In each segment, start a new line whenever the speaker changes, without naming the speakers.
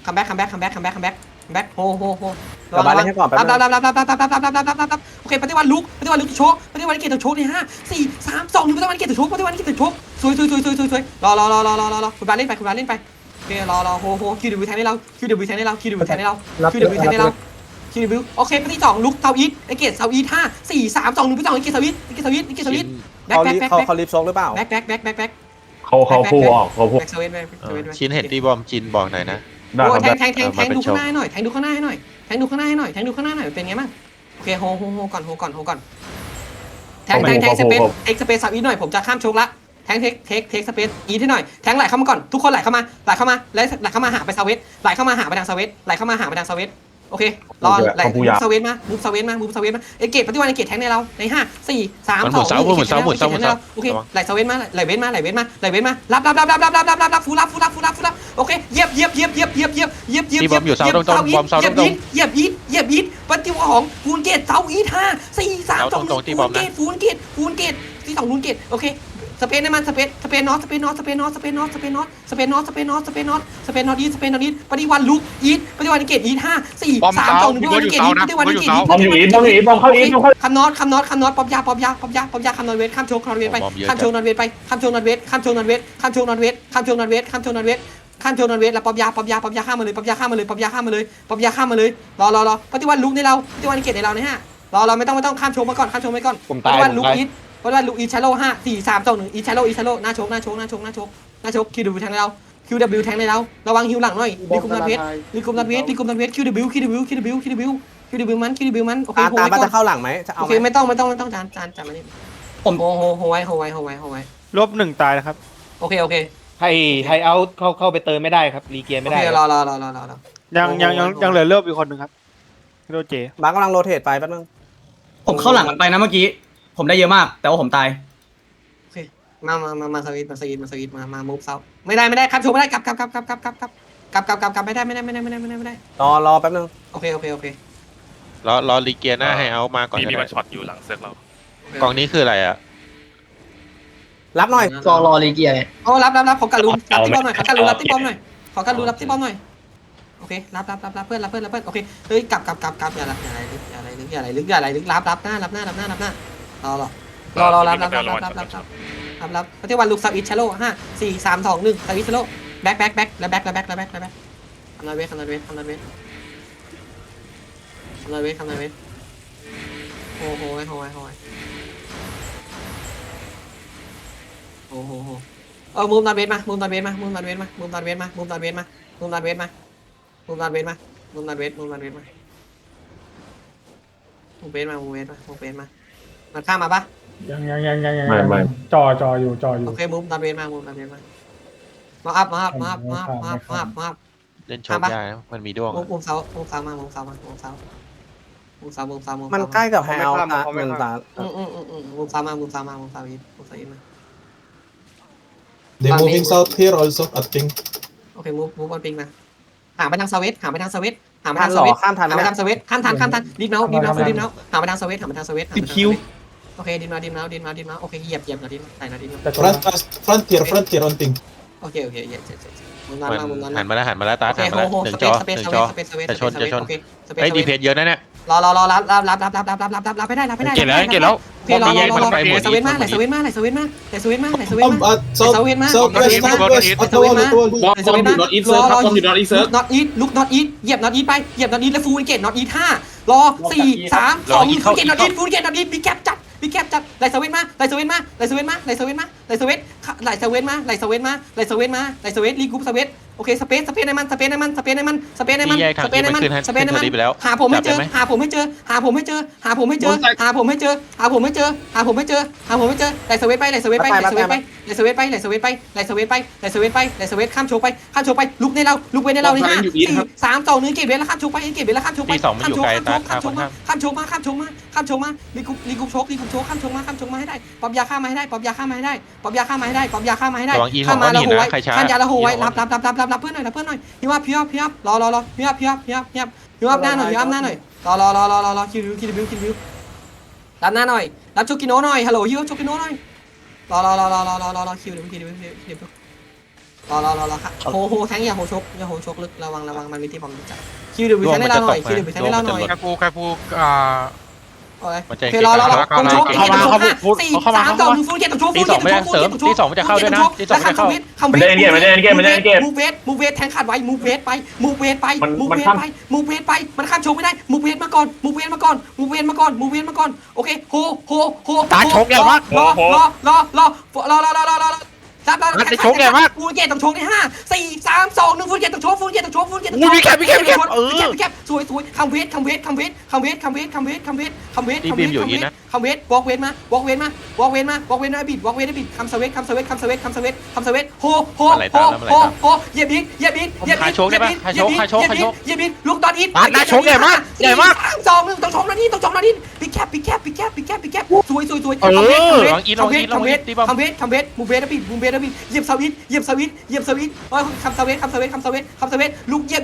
คัมแบ็กโฮ
กลับบ้านเล่นให้ก่อนแป๊บนึง
รับโอเคปฏิวัติลุกโชกปฏิวัติเกตโชกใน5 4 3 2 1ปฏิวัติเกตโชกสวยคุณบาเล่นไปโอเครอโฮคิวดิวแทงให้เราคิวดิวแทงให้เราโอเคปฏิ2ลุกเซาอีทไอเกตเซาอีท5 4 3 2 1ปฏิ2ไอเกตเซาอีทแบ็ค
เขารีบโซกหรือเปล่า
แบ็ค
เขาคู่ออกเขาพูด
แบ็คเซเว่น
ชินเห็นตีบอมจินบอกหน่อยนะ
ได้ครับได้
แทงดูข้างหน้าหน่อยดูข้างหน้าให้หน่อยเป็นไงบ้างโอเคโฮก่อนแทงสเปซเอ็กสเปซซับอีหน่อยผมจะข้ามโชกละแทงเทคสเปซอีให้หน่อยแทงไหลเข้ามาก่อนทุกคนไหลเข้ามาแล้วไหลเข้ามาหาไปซาเวสไหลเข้ามาหาไปทางซาเวสโอเครอไหลมูฟซาเวสมาเอเกตปฏิวัติเอเกตแทงในเราใน5 4 3 2 1โอเคไหลซาเวสมาไหลเว้นมารับฟูรับโอเคเหยียบปฏิวัติของฟูนเกตเซาอีท5 4 3 2 1ฟูนเกตที่2ฟูนเกตโอเคสเปนในมันสเปนนอตอีทปฏิวัติลุกอีทปฏิวัติเกตอีท5 4 3 2 1ปฏิวัติเกตอีทปฏิวัติเกตอีท
บอมอยู่อีทบอมเข้าอีท
คำนอตป๊อปยาคำนอตเวทข้ามโชกนอตเวทไปข้ามโชกนอตเวทแล้วป๊อปยาข้ามมาเลยรอปฏิวัติลุกในเราปฏิวัติเกตในเราเนี่ยรอไม่ต้องข้ามโชกมาก่อนปฏิวัติลุกอีทชาโล5 4 3 2 1อีชาโลหน้าโชกคิวดิวแทงในเราQW แทงในเราระวังฮิวหลังหน่อยลิกุมนัดเวทQW มันโอเค
ตามจะเข้าหลังไหมจะเอา
โอเคไม่ต้องจานมานี่ผมโฮไว้
ลบ1ตายนะครับ
โอเค
ให้เอาเข้าไปเติมไม่ได้ครับรีเกียร์ไม่ได้
รอ
ยังเหลือเลือบอีกคนหนึ่งครับโรเจ
บ้านกำลังโรเทตไปแป๊บนึง
ผมเข้าหลังมันไปนะเมื่อกี้ผมได้เยอะมากแต่ว่าผมตาย
โอเคมาสวิตมามูฟเซาไม่ได้ครับโชว์ไม่ได้กลับไม่ได้
รอแป๊บนึง
โอเค
รอลีเกียหน้าให้เอามาก่อน
มีมันช็อตอยู่หลังเซิร์ฟเรา
กองนี้คืออะไรอ่ะ
รับหน่อย
รอรีเกียร์ไง
โอ้รับขอการลุ้นรับที่บอมหน่อยรับที่บอมหน่อยโอเครับเพื่อนโอเคเฮ้ยกลับอย่าอะไรลึกรับหน้ารอรับปฏิวัติลูกซับอิชชาโล5 4 3 2 1ซับอิชชาโลแบ็คแล้วแบ็คคำนายเวทโอ้โหมูฟนอนเวทมามูฟนอนเวทมามันข้ามมาปะ
ยังไม่
จออยู่
โอเคมูฟนอนเวทมามาอัพ
เล่นโชว์ได้นะมันมีด้วง
มูฟเซามา
มันใกล้กับแฮลนะเงินตา
มูฟเซาอีทมา
They moving south here also, I think.
โอเคมูฟบอลปิงมาหาไปทางสวิตข้ามทัน
ข้ามทัน
ดิฟเนาหาไปทางสวิต
ติดคิว
โอเคดินมาโอเคเหยียบนะดินใส่นะดิน
Frontier on ping.
โอเคเหยียบมุม
มัน
นั้น
หันมาแล้วตาหันมาแล้ว1 จอจะชนไอ้ดีเพจเยอะนะเนี่ย
รอรับไม่ได้
เก็บแล้ว
โอเครอสวิตมาไหลสวิตมา
Southwest,
not eatเซิร์ฟครับต้องอยู่ not eat เซิร์ฟ
not eat ลุก not eat เหยียบ not eat ไปเหยียบ not eat แล้วฟูลเกต not eat 5รอ4 3 2 1ฟูลเกต not eat บิ๊กแคปจัดไหลสวิตมารีกรุ๊ปสวิตโอเคสเปซในมันหาผมให้เจอไหลสวิตไปข้ามโชว์ไปลุกในเรานี่5 4 3 2 1เกตเวทแล้วข้ามโชว์ไปข้ามโชว์มารีกรุ๊ปโชว์ข้ามโชว์มาให้ได้ป๊อปยาข้ามมาให้ได้ข้ามมาแล้วโหไว้ข้ามยาแล้วโหไว้รับเพื่อนหน่อยพี่ว่ารอพี่ว่าหน้าหน่อยรอคิวรับหน้าหน่อยรับโชกิโนหน่อยฮัลโหลฮิวโชกิโนหน่อยรอคิวรอครับโฮแทงอย่าโฮชกลึกระวังมันมีที่บอมจับคิวเดบิวแทงให้เราหน่อยคิวเดบิวแทงให้เราหน่อย
ใครพู
โอเครอตรงโชกสี่สามสองฟูเกตตรงโชก
ตีสองไม่ได้เสริมตีสองมันจะเข้าด้วยนะตีสองมันจะเข้า
มันได้เกม
มูเวทแทงขาดไว้มูเวทไปมันข้ามโชกไม่ได้มูเวทมาก่อนโอเคโฮ
ตาโชกใหญ่มาก
รอรับฟูเกตต้องโชกใน5 4 3 2 1ฟูเกตต้องโชก
อุ้ยมีแคป
สวยคัมเวทวอล์กเวทมาวอล์กเวทนะบิดคัมสเวทโฮเหยียบบิ๊กลูกตอนอีท2 1ต้องชมนาทีบิ๊กแคปสวยคัมเวทมูเวทบิดเหยียบสวิตคัมสเวทลูกเหยียบ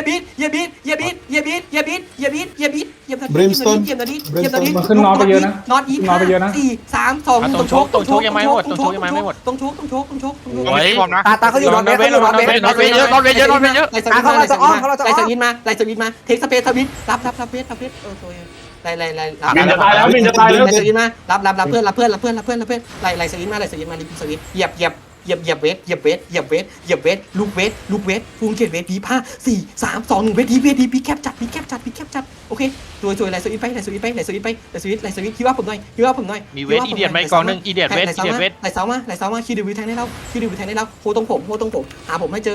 บิ๊ก
Brimstone
มาขึ้นนอตไปเยอะนะนอตอี4 3 2
ตรงโชกยังไม่หมด
ต้องโชก
โอ้ยพร้อมนะ
ตาเขาอยู่นอนเวทเยอะ
นอนเวทเยอะ
ไล่สวิตมาเทคสเปซสวิตรับเวทไล่
บินจะตายแล้ว
ไล่สวิตมารับเพื่อนไล่สวิตมารีบสวิตเหยียบเวทลูกเวทฟูงเกตเวทดี5 4 3 2 1เวทดีพีแคปจัดโอเคสวยไล่สวิตไปคิดว่าผมหน่อย
มีเวทอีเดียตไหมกองนึงอีเดียตเวท
ไล่เสามาคิวดิวแทงให้เราโฮตรงผมหาผมไม่เจอ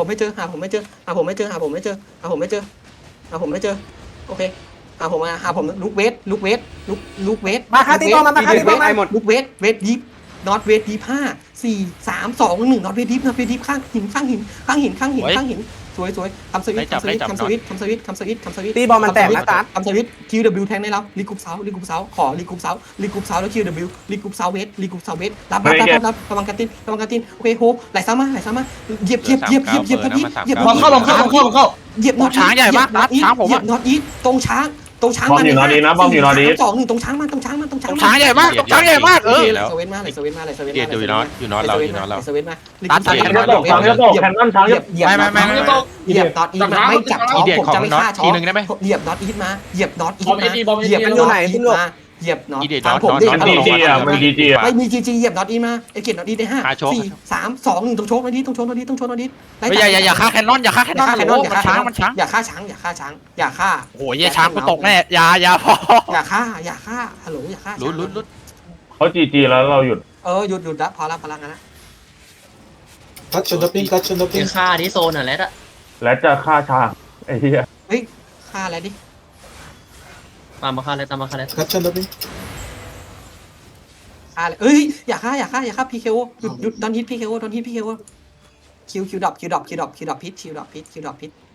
โอเคหาผมลูกเวท
มาค่าตีบอลมาค่าตีบอลมาหมด
ลูกเวทดีฟน็อตเวทดีฟ5 4 3 2 1น็อตเวทดีฟข้างหินสวยทำสวิต
ตีบอลมันแตกนะตา
ทำสวิตคิวดิวแทงให้เรารีกรุ๊ปเซาขอรีกรุ๊ปเซาแล้วคิวดิวรีกรุ๊ปเซาเวทรับระวังกันตินโอเคโฮไหลซ้ำมาเหยียบ
ลองเข้า
เหยียบน็อต
ช้างใหญ่มากช้างผม
เหยียบน็อตอีทตรงช้าง
อยู่นอดีนะบอมอยู่นอดี
2 1ตรงช้างมา
ช้างใหญ่มาก
เซเว่นมา
เดียดอยู่น็อตเรา
เซเว่นมา
ช้างเยอะตกแคนนอนช้างเยอะ
เหยียบน็อตอีทไม่จับช็อปผมจะไม่ฆ่าช็อป
ทีนึงได้ไหม
เหยียบน็อตอีทมาเหยียบน็อตอีทมา
มันอยู่ไหนขึ้นลูก
เหยียบน็อต
มันดีจีอ่ะ
ไม่มีจีเหยียบน็อตอีมาไอเกตน็อตอีได้5 4 3 2 1ต้องโชกนาที
อย่าฆ่าแคนนอนมันช้าง
อย่าฆ่าช้าง
โอ้ยช้างกูตกแน่อย่าพอ
อย่าฆ่าฮัลโหลอย่าฆ่า
ลุ้น
เขาจีแล้วเราหยุด
หยุดละพอละงั้นนะ
Touch on the pin
ค่าที่โซนอ่ะแล้ว
และจะฆ่าช้างไอ้เหี้ย
เฮ้ยฆ่าอะไรดิ
ตามมาค่าเลย
Touch on the pin
ฆ่าเลยเอ้ยอย่าฆ่าพีเคโอหยุดดอนฮิตพีเคโอคิวดรอปพิษ